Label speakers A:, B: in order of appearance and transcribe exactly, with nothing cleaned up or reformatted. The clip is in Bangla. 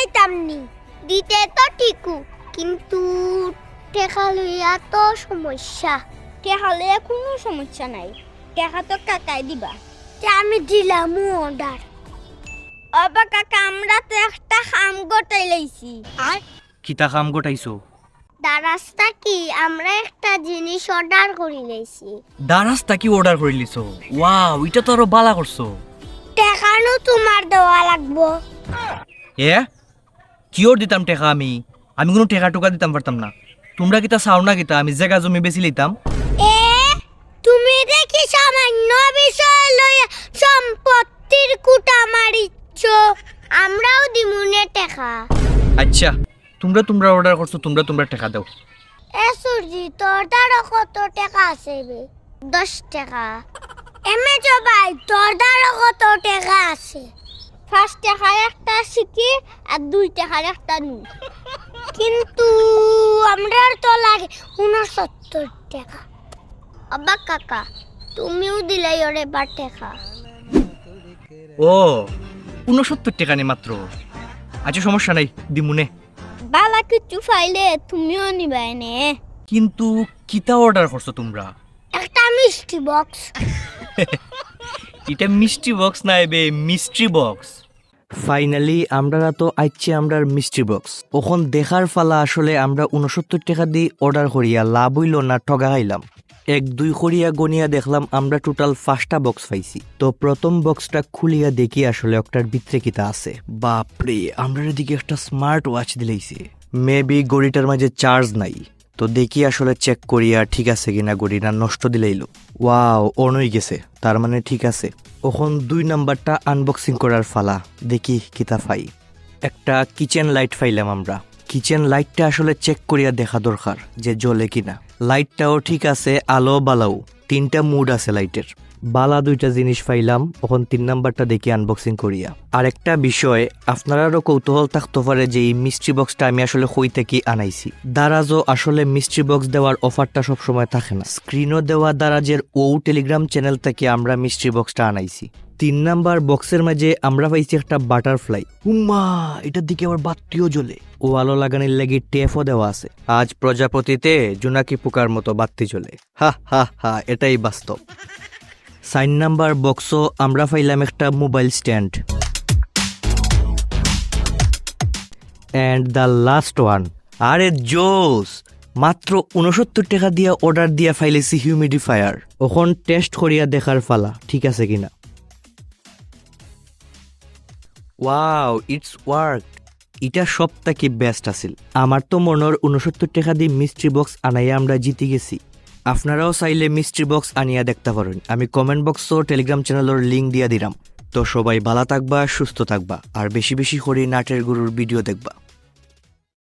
A: দিলাইতামনি দিতে তো ঠিকু কিন্তু টেকা লইয়া তো সমস্যা। টেকা লইয়া কোনো সমস্যা নাই, টেকা তো কাকাই দিবা। আমি দিলাম অর্ডার। অবা কাকা আমরা তো একটা খাম গোটাই লাইছি।
B: আর কিতা কাম গোটাইছো?
A: দারাস্তা কি আমরা একটা জিনিস অর্ডার করি লাইছি।
B: দারাস্তা কি অর্ডার করে লিছো? ওয়াও, এটা তো আরো বালা করছো।
A: টেকানো তোমার দেওয়া লাগবো।
B: এ কিওর দিতাম টেকা? আমি আমি কোনো টেকা টোকা দিতাম পারতাম না। তোমরা কিতা চাও না কিতা আমি জায়গা জমি বেশি লইতাম?
A: এ তুমি দেখি সামান্য বিষয় লইয়া সম্পত্তির কুটা মারিচ্ছ। আমরাও দিমুনে টেকা।
B: আচ্ছা, তোমরা তোমরা অর্ডার করছো, তোমরা তোমরা টাকা দাও।
A: এ সুরজি তোর দ্বারা কত টাকা আছে বে? দশ টাকা। এমে জবাই তোর দ্বারা কত টাকা আছে? পাঁচ টাকার একটা শিখি আর দুই টাকার একটা নু। কিন্তু আমরার তো লাগে উনসত্তর টাকা। আব্বা কাকা তুমিও দিলাই ওরে বার টাকা।
B: ও উনসত্তর টাকা নেই মাত্র। আচ্ছা সমস্যা নাই, দিমুনে।
A: বালা কিছু ফাইলে তুমিও নিবাই নে।
B: কিন্তু কিতা অর্ডার করছো তোমরা?
A: একটা মিষ্টি বক্স।
B: এটা মিষ্টি বক্স না এবে মিস্ট্রি বক্স। ফাইনালি আমরা তো আইছি আমরার মিস্ট্রি বক্স। ওখন দেখার ফালা আসলে আমরা উনসত্তর টাকা দিয়ে অর্ডার করিয়া লাভ হইল না ঠগা খাইলাম। এক দুই করিয়া গনিয়া দেখলাম আমরা টোটাল পাঁচটা বক্স পাইছি। তো প্রথম বক্সটা খুলিয়া দেখি আসলে একটার ভিতরে কিতা আছে। বাপরে, আমরা দিকে একটা স্মার্ট ওয়াচ দিলাইছে। মেবি গড়িটার মাঝে চার্জ নাই। তো দেখি আসলে চেক করিয়া ঠিক আছে কিনা গড়ি না নষ্ট দিলাইলো। ওয়াও, অন হয়ে গেছে, তার মানে ঠিক আছে। ওখন দুই নাম্বারটা আনবক্সিং করার ফালা। দেখি কিতা ফাই। একটা কিচেন লাইট ফাইলাম আমরা। কিচেন লাইটটা আসলে চেক করিয়া দেখা দরকার যে জ্বলে কিনা। লাইটটাও ঠিক আছে, আলো বালাও তিনটা মুড আছে লাইটের। বালা দুইটা জিনিস পাইলাম। ওখন তিন নাম্বারটা দেখি আনবক্সিং করিয়া। আর একটা বিষয় আপনারারও কৌতূহল থাকতে পারে যে এই মিস্ট্রি বক্সটা আমি আসলে কই থেকে আনাইছি। দারাজও আসলে মিস্ট্রি বক্স দেওয়ার অফারটা সবসময় থাকে না। স্ক্রিনও দেওয়া দারাজের ও টেলিগ্রাম চ্যানেল থেকে আমরা মিস্ট্রি বক্সটা আনাইছি। তিন নাম্বার বক্সের মাঝে আমরা পাইছি একটা বাটারফ্লাই। উম্মা, এটার দিকে আবার বাতিও জ্বলে। ও আলো লাগানোর লাগি টেপও দেওয়া আছে। আজ প্রজাপতিতে জোনাকি পোকার মতো বাতি জ্বলে। হা হা হা, এটাই বাস্তব। সাইন নাম্বার বক্সও আমরা পাইলাম একটা mobile stand. And the last one, আরে জোস, মাত্র উনসত্তর টাকা দিয়া অর্ডার দিয়া ফাইলেছি হিউমিডিফায়ার। ওখন টেস্ট করিয়া দেখার ফালা ঠিক আছে কিনা। Wow, it's work. এটা সব থেকে বেস্ট আছিল। আমার তো মনের উনসত্তর টাকা দিয়ে মিস্ট্রি বক্স আনাইয়া আমরা জিতে গেছি। আপনারাও চাইলে মিস্ট্রি বক্স আনিয়া দেখতে পারেন। আমি কমেন্ট বক্সও টেলিগ্রাম চ্যানেলের লিঙ্ক দিয়া দিলাম। তো সবাই ভালো থাকবা, সুস্থ থাকবা, আর বেশি বেশি করে নাটের গুরুর ভিডিও দেখবা।